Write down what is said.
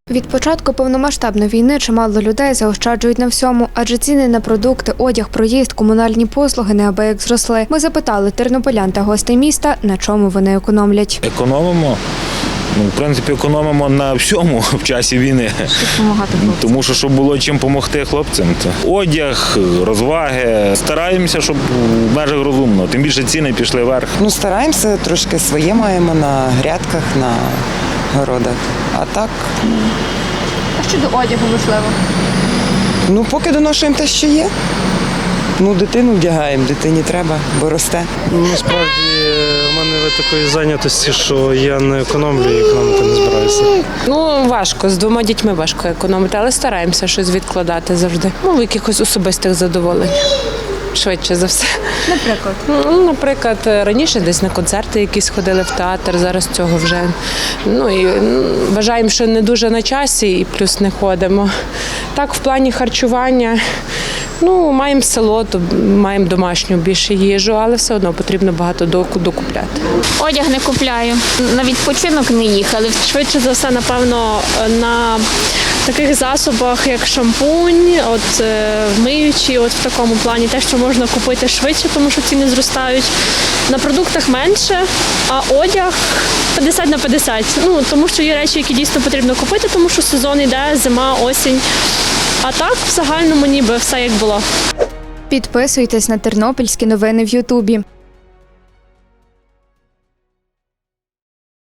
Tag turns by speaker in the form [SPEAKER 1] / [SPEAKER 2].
[SPEAKER 1] Від початку повномасштабної війни чимало людей заощаджують на всьому, адже ціни на продукти, одяг, проїзд, комунальні послуги неабияк зросли. Ми запитали тернополян та гостей міста, на чому вони економлять.
[SPEAKER 2] Економимо. В принципі, економимо на всьому в часі війни.
[SPEAKER 1] Допомагати хлопцям.
[SPEAKER 2] Тому що, щоб було чим допомогти хлопцям. То одяг, розваги. Стараємося, щоб в межах розумно. Тим більше ціни пішли вверх.
[SPEAKER 3] Стараємося, трошки своє маємо на грядках, на городах. А так,
[SPEAKER 1] А щодо одягу, можливо?
[SPEAKER 3] поки доношуємо те, що є. Дитину вдягаємо, дитині треба, бо росте.
[SPEAKER 4] Насправді, в мене такої зайнятості, що я не економлю і економити не збираюся.
[SPEAKER 5] Важко, з 2 дітьми важко економити, але стараємося щось відкладати завжди. В якихось особистих задоволень. Швидше за все.
[SPEAKER 1] Наприклад?
[SPEAKER 5] Наприклад, раніше десь на концерти якісь ходили в театр, зараз цього вже. І вважаємо, що не дуже на часі і плюс не ходимо. Так, в плані харчування, маємо село, то маємо домашню більше їжу, але все одно потрібно багато докупляти.
[SPEAKER 6] Одяг не купляю, на відпочинок не їхали.
[SPEAKER 7] Швидше за все, напевно, на таких засобах, як шампунь, миючі, в такому плані, те, що можна купити швидше, тому що ціни зростають. На продуктах менше, а одяг 50 на 50. Тому що є речі, які дійсно потрібно купити, тому що сезон йде, зима, осінь. А так, в загальному ніби все як було.
[SPEAKER 1] Підписуйтесь на тернопільські новини в Ютубі.